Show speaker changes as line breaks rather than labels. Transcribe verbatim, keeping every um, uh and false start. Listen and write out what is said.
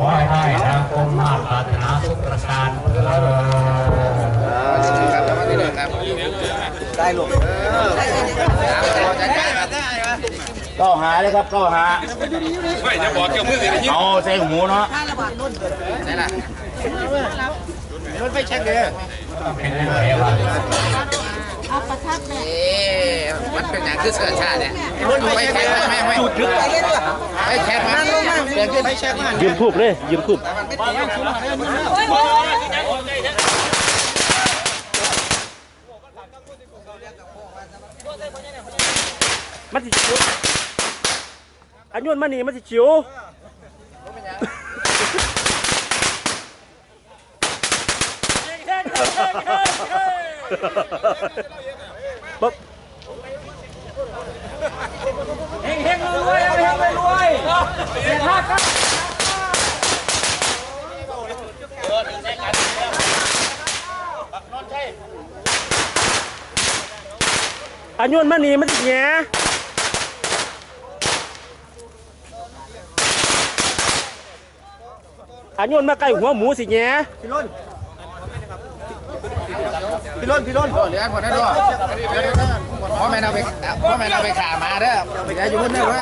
อให้ได้นะคมมาปรารถนาทุกประการ
ได้ลูกก็หาเลยครับก็หาไม่จะบอกเกี่ยวมือเลยเอาใส่หูเนาะใช่ละมันไปเช็คเลย
เอาประทับเนี่ย
มันเป็นอย่างคือเสื้อชาติเนี่ยไปแข่งไม่ไม่จุดลึกไปแข่งมันเปลี่ยนขึ้นไปแข่งมัน
ยืมคูบเลยยืมคูบมันสิชิวอันยวนมันนี่มันสิชิวปุ๊บ
เฮงเฮงรวยเฮงรวยเสียท่าครับ
อันยวนมันนี่มันสิแง่อันยวนมาใกล้หัวหมูสิแง่
พี่ล้นพี่ล้นพี่ล้น
เหลือหมดแล้วด้วยพ่อแม่เราไปพ่อแม่เราไปขามาเด้ออย่าอยู่บนเด้อ